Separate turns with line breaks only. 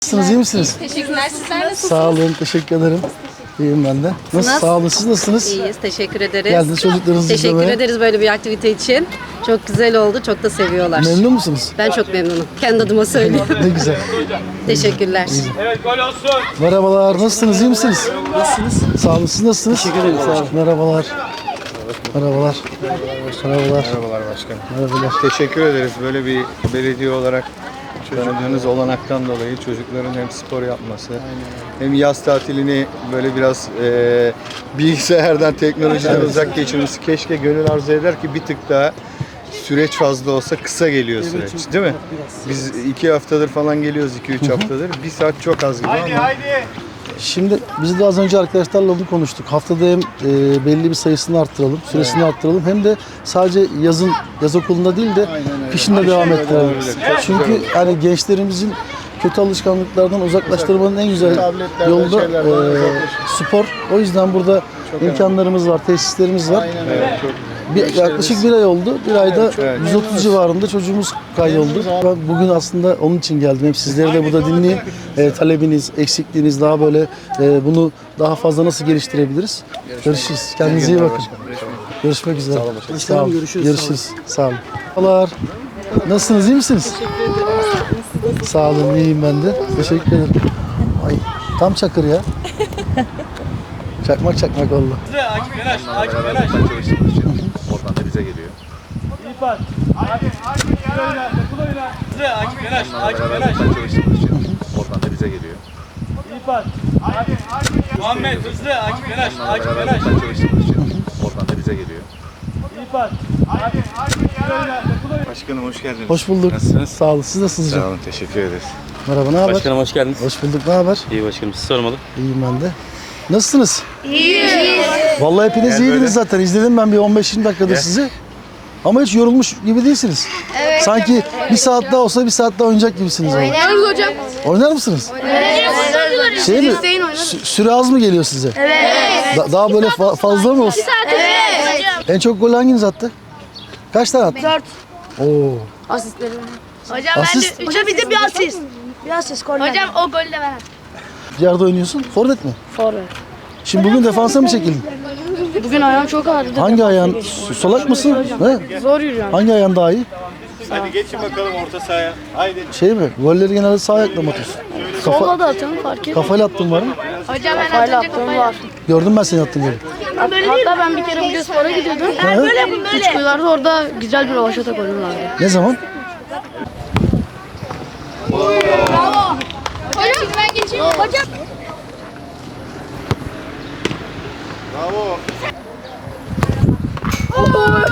Nasılsınız, iyi misiniz?
Teşekkürler. Sizler nasılsınız?
Sağ olun, teşekkür ederim. İyiyim ben de. Nasıl, sağ olun, siz nasılsınız?
İyiyiz, teşekkür ederiz.
Geldiniz çocuklarınızı
Teşekkür
izlemeye.
ederiz böyle bir aktivite için. Çok güzel oldu, çok da seviyorlar.
Memnun musunuz?
Ben çok memnunum. Kendi adıma söyleyeyim.
Ne güzel.
Teşekkürler.
Evet, gol olsun.
Merhabalar, nasılsınız, iyi misiniz? Nasılsınız? Sağ olun, siz nasılsınız? Teşekkür ederim, sağ olun. Merhabalar. Merhabalar. Merhabalar.
Merhabalar başkanım.
Merhabalar.
Teşekkür ederiz böyle bir belediye olarak tanıdığınız olanaktan dolayı çocukların hem spor yapması hem yaz tatilini böyle biraz bilgisayardan, teknolojiden uzak geçirmesi. Keşke gönül arzu eder ki bir tık daha süreç fazla olsa kısa geliyor süreç, değil mi? Biz 2 haftadır falan geliyoruz, 2-3 haftadır. Bir saat çok az gibi
Haydi
ama
haydi.
Şimdi biz de az önce arkadaşlarla onu konuştuk. Haftada hem belli bir sayısını arttıralım, süresini arttıralım. Hem de sadece yaz okulunda değil de kışın da devam ettirelim. Çünkü hani gençlerimizin kötü alışkanlıklardan uzaklaştırmanın en güzel
Tabletlerden,
yolu da
şeylerden
spor. O yüzden burada imkanlarımız var, tesislerimiz var. Yaklaşık bir ay oldu. Bir ayda 130 civarında çocuğumuz kaydoldu. Ben bugün aslında onun için geldim. Hem sizleri de burada dinleyeyim. Talebiniz, eksikliğiniz daha böyle bunu daha fazla nasıl geliştirebiliriz? Görüşürüz. Kendinize iyi bakın. Görüşmek üzere. Sağ olun. Görüşürüz. Sağ olun. Merhabalar. Nasılsınız? İyi misiniz? Sağ olun. İyiyim ben de. Teşekkür ederim. Ay, tam çakır ya. Çakmak oldu.
Akif Yanaş, Akif Yanaş.
Oradan da bize geliyor.
İyi pas. Haydi, haydi. Kul oyna, kul oyna. Akif Yanaş, Akif Yanaş.
Çalıştığımız için oradan da bize geliyor.
İyi pas. Haydi, haydi. Muhammed hızlı, Akif Yanaş, Akif Yanaş.
Çalıştığımız için oradan da bize geliyor.
İyi pas. Haydi, haydi. Kul oyna, kul oyna.
Başkanım hoş geldiniz.
Hoş bulduk.
Nasılsınız?
Sağ olun. Siz nasılsınız
Sağ
hocam?
olun, teşekkür ederiz.
Merhaba, ne haber?
Başkanım hoş geldiniz.
Hoş bulduk. Ne haber?
İyi başkanım siz sormalı.
İyiyim ben de. Nasılsınız? İyiyiz. Vallahi hepiniz iyiydiniz zaten. İzledim ben bir 15-20 dakikadır sizi. Ama hiç yorulmuş gibi değilsiniz. Evet. Sanki bir saat daha olsa bir saat daha oynayacak gibisiniz.
Oynarız hocam.
Oynar mısınız?
Oynarız.
Şey mi? Süre az mı geliyor size? Evet. Daha böyle fazla mı olsun?
Evet. Hocam.
En çok gol hanginiz attı? Kaç tane attı?
4.
Oo.
Asistlerim. Hocam
Asist?
ben de hocam bir de bir asist. Bir asist gol. Hocam o golü de ben attım.
Yerde oynuyorsun. Forvet mi?
Forvet.
Şimdi bugün defansa mı çekildin?
Bugün ayağım çok ağrıdı.
Hangi ayağın? Solak mısın? He?
Zor yürüyorum.
Hangi ayağın daha iyi?
Hadi geçin bakalım orta sahaya. Haydi.
Şey mi? Golleri genelde sağ ayakla mı atıyorsun?
Solla da atıyorum fark etmiyor.
Kafayla attın var mı?
Hocam ben kafayla attım var.
Gördüm ben seni attığın golü.
Hatta ben bir kere Bugün spora gidiyordum. Böyle üç kuyularda orada güzel bir rövaşata golüm vardı.
Ne zaman?
Hocam ben geçeyim. Hocam.
Bravo.